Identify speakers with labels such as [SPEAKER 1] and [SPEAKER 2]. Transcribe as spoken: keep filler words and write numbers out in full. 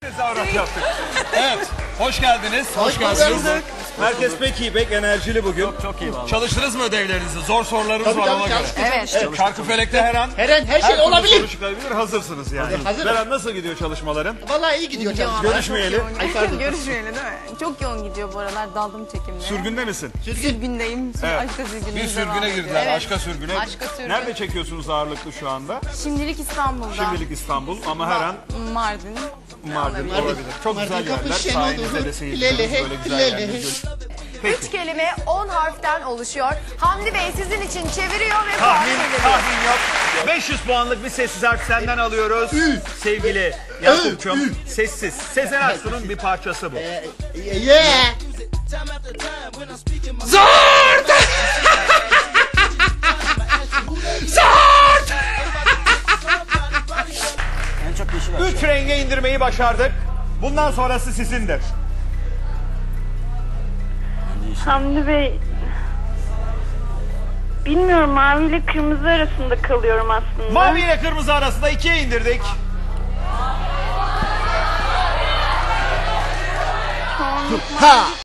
[SPEAKER 1] tezahürat yaptık. Evet, hoş geldiniz. Hoş, geldiniz. Herkes pek iyi, pek enerjili bugün. Çok, çok iyi vallahi. Çalıştınız mı ödevlerinizi? Zor sorularımız
[SPEAKER 2] Tabii,
[SPEAKER 1] var
[SPEAKER 2] tabii,
[SPEAKER 1] ona göre.
[SPEAKER 2] çalıştık.
[SPEAKER 3] Evet.
[SPEAKER 1] Evet, Çarkıfelek'te her an
[SPEAKER 2] Her an her şey
[SPEAKER 1] türlü
[SPEAKER 2] olabilir.
[SPEAKER 1] soru çıkabilir. Hazırsınız yani.
[SPEAKER 2] Hazırım.
[SPEAKER 1] Beren, nasıl gidiyor çalışmaların?
[SPEAKER 2] Vallahi iyi gidiyor canım.
[SPEAKER 1] Görüşmeyeli.
[SPEAKER 3] Ay, Görüşmeyeli değil mi? Çok yoğun gidiyor bu aralar. Daldım çekimlere.
[SPEAKER 1] Sürgünde misin?
[SPEAKER 3] Sürgündeyim.
[SPEAKER 1] Evet.
[SPEAKER 3] Aşka sürgününe
[SPEAKER 1] Bir
[SPEAKER 3] devam
[SPEAKER 1] sürgüne
[SPEAKER 3] ediyor.
[SPEAKER 1] girdiler,
[SPEAKER 3] Evet.
[SPEAKER 1] aşka sürgüne.
[SPEAKER 3] Aşka sürgün.
[SPEAKER 1] Nerede çekiyorsunuz ağırlıklı şu anda?
[SPEAKER 3] Şimdilik İstanbul'da.
[SPEAKER 1] Şimdilik İstanbul ama her an
[SPEAKER 3] Mardin.
[SPEAKER 1] Mardin olabilir. Çok
[SPEAKER 2] Mardin
[SPEAKER 1] güzel yerler.
[SPEAKER 2] kapı
[SPEAKER 1] Sayenizde de seyircilerimiz böyle güzel yerler görüyor.
[SPEAKER 4] Üç kelime on harften oluşuyor. Hamdi Bey sizin için çeviriyor ve puan
[SPEAKER 1] Tahmin,
[SPEAKER 4] veriyor.
[SPEAKER 1] tahmin yok. beş yüz puanlık bir sessiz harf senden alıyoruz. Sevgili Yakup'cum, sessiz. Sezen Aksu'nun bir parçası bu.
[SPEAKER 2] Yeah.
[SPEAKER 1] Zort! Zort! Üç renge indirmeyi başardık. Bundan sonrası sizindir.
[SPEAKER 5] Hamdi Bey, bilmiyorum, mavi ile kırmızı arasında kalıyorum aslında.
[SPEAKER 1] Mavi ile kırmızı arasında ikiye indirdik.
[SPEAKER 5] Çoğunluk
[SPEAKER 2] Ha.